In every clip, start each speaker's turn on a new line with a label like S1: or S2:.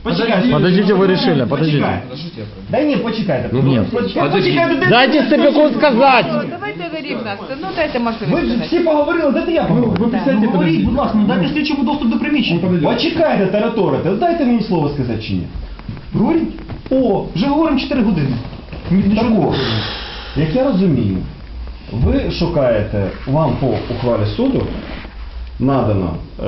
S1: Подождите, вы решили, подождите.
S2: Да ні, почекайте.
S1: Нет.
S2: Почекайте.
S1: Дайте Степаку сказать.
S3: Давайте говоріть нас. Ну дайте
S2: Ви
S3: можливість
S2: ж
S3: сказати.
S2: всі поговорили, дайте я поговорю.
S4: Ви присядьте,
S2: Говоріть, будь ласка, ну дайте слідчому доступ до приміщення. Почекайте, тараторите, дайте мені слово сказати чи ні. Говоріть? О, вже говоримо 4 години. Так о, як я розумію, ви шукаєте, вам по ухвалі суду надано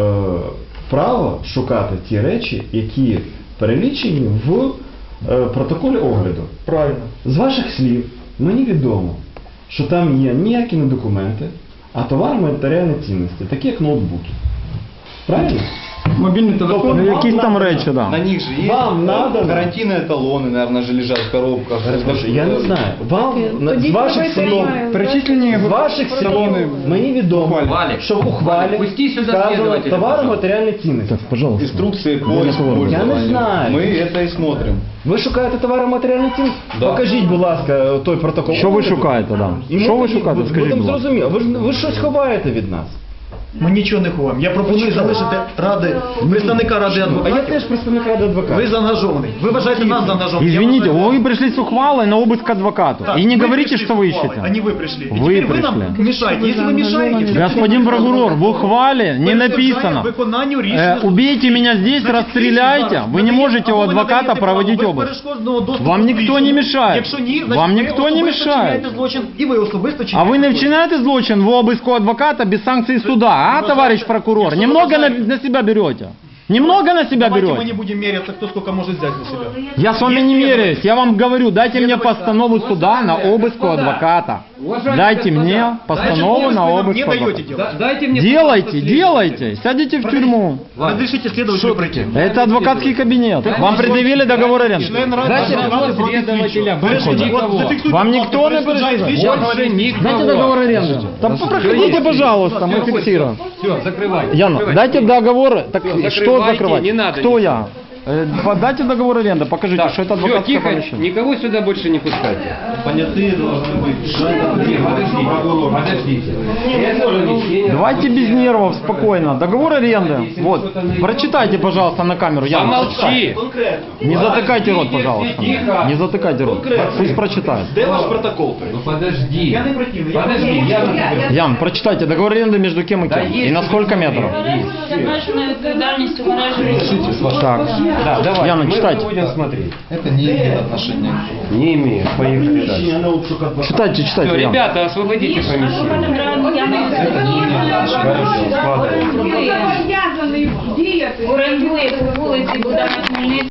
S2: право шукати ті речі, які перелічені в протоколі огляду.
S4: Правильно.
S2: З ваших слів мені відомо, що там є ніякі не документи, а товар матеріальні цінності, такі як ноутбуки. Правильно?
S4: Мобільний телефон.
S1: Ну, якісь там речі, да.
S5: На них же есть
S2: Вам надо
S5: гарантийные талоны, наверное, же лежат в коробках.
S2: Я не знаю. Вам з ваших слів,
S4: Перечислені
S2: з ваших слів мені відомо, що в ухвалі вказано товари матеріальні цінності.
S1: Так, пожалуйста.
S5: Инструкции по
S1: Я не
S5: использованию.
S2: Я не знаю.
S5: Мы это и смотрим.
S2: Ви шукаєте товари матеріальні цінності?
S5: Да.
S2: Покажіть, будь ласка, той протокол.
S1: Що ви
S2: огляду.
S1: шукаєте, да?
S2: І ми
S1: Що ви
S2: тоді
S1: шукаєте, скажіть,
S2: будемо
S1: будь ласка.
S2: зрозуміли. Ви щось ховаєте від нас.
S4: Ми нічого не ховаємо. Я пропоную залишити представника ради
S2: А я
S4: адвокатів.
S2: теж представник ради адвоката.
S4: Ви заангажований. Ви вважаєте нас заангажованим.
S1: Извините, вы пришли с ухвалой на обыск к адвокату.
S4: Так,
S1: И не
S4: вы
S1: говорите,
S4: пришли
S1: что
S4: с
S1: вы
S4: ухвалой,
S1: ищете.
S4: А не вы пришли. И
S1: Вы
S4: теперь вы нам
S1: пришли.
S4: мешаете. Если вы мешаете...
S1: Господин прокурор, в ухвале не написано.
S4: Виконанню рішення...
S1: Убейте меня здесь, расстреляйте. Вы не можете у адвоката проводить обыск. Вам никто не мешает.
S4: Якщо ні, значить
S1: Вам
S4: ви
S1: никто не
S4: особисто
S1: мешает.
S4: вчиняєте злочин, і ви особисто
S1: А
S4: чиняєте
S1: вы не
S4: злочин.
S1: вчиняете злочин в обыск у адвоката без санкций суда, а, товарищ прокурор?
S4: Якщо
S1: Немного
S4: вважаєте-
S1: на себя берете. Немного на себя
S4: Давайте мы
S1: берете.
S4: не будем меряться, кто сколько может взять на себя.
S1: Я с вами не меряюсь, я вам говорю, дайте мне постанову суда на обыск у адвоката. Дайте мне постанову на
S4: Вы нам
S1: обыск
S4: не
S1: у
S4: даете
S1: адвоката.
S4: делать.
S6: Дайте мне,
S1: Делайте, делайте, сядете в тюрьму.
S4: Разрешите следователю пройти.
S1: Это адвокатский кабинет. Вам предъявили договор аренды?
S4: Член Ради
S6: Дайте
S4: адвокатов
S6: вопрос
S4: против
S6: следователя,
S4: слідчого.
S6: больше
S4: Перешкоджає.
S6: никого.
S4: От зафіксуйте,
S1: Вам
S4: будь
S1: никто
S4: ласка,
S1: не
S4: перешкоджає
S1: перешкоджает.
S4: слідчого.
S6: Больше никого.
S1: Дайте договор аренды. Да проходите, пожалуйста, мы фиксируем.
S6: Все, закрывайте.
S1: Яна,
S6: закрывайте.
S1: дайте договор. Так
S6: Всё,
S1: что
S6: закрывайте,
S1: закрывать?
S6: не надо
S1: Кто
S6: ничего.
S1: я? Дайте договор аренды, покажите,
S6: Так,
S1: что это
S6: все,
S1: адвокатское
S6: тихо,
S1: помещение.
S6: никого сюда больше не пускайте.
S5: Понятые должны быть.
S6: Подождите. Это помещение-
S1: Давайте без нервов, спокойно. Договор аренды. Вот, прочитайте, пожалуйста, на камеру. Яна,
S6: Помолчи.
S2: Конкретно.
S1: не затыкайте рот, пожалуйста.
S6: Тихо.
S1: Не затыкайте рот. Пусть прочитает.
S2: Де ваш протокол?
S6: Ну подожди.
S4: Я не противный, я
S6: Подожди, я...
S1: Ян, прочитайте договор аренды между кем и
S6: Да
S1: кем.
S6: есть
S1: И на сколько метров?
S7: З обмеженою відповідальністю мережі.
S1: Так.
S6: Да, давай,
S1: Яна,
S6: мы
S1: читайте.
S6: будем смотреть.
S5: Это не имеет отношения.
S6: Не имеет, поехали дальше.
S2: Приміщення на обшук адвоката.
S1: Читайте, читайте,
S6: Все,
S1: Ян.
S6: ребята, освободите помещение. Хорошо, складывайте.
S3: Зобов'язаний діяти.
S7: Орендує по вулиці Богдана Хмельницького.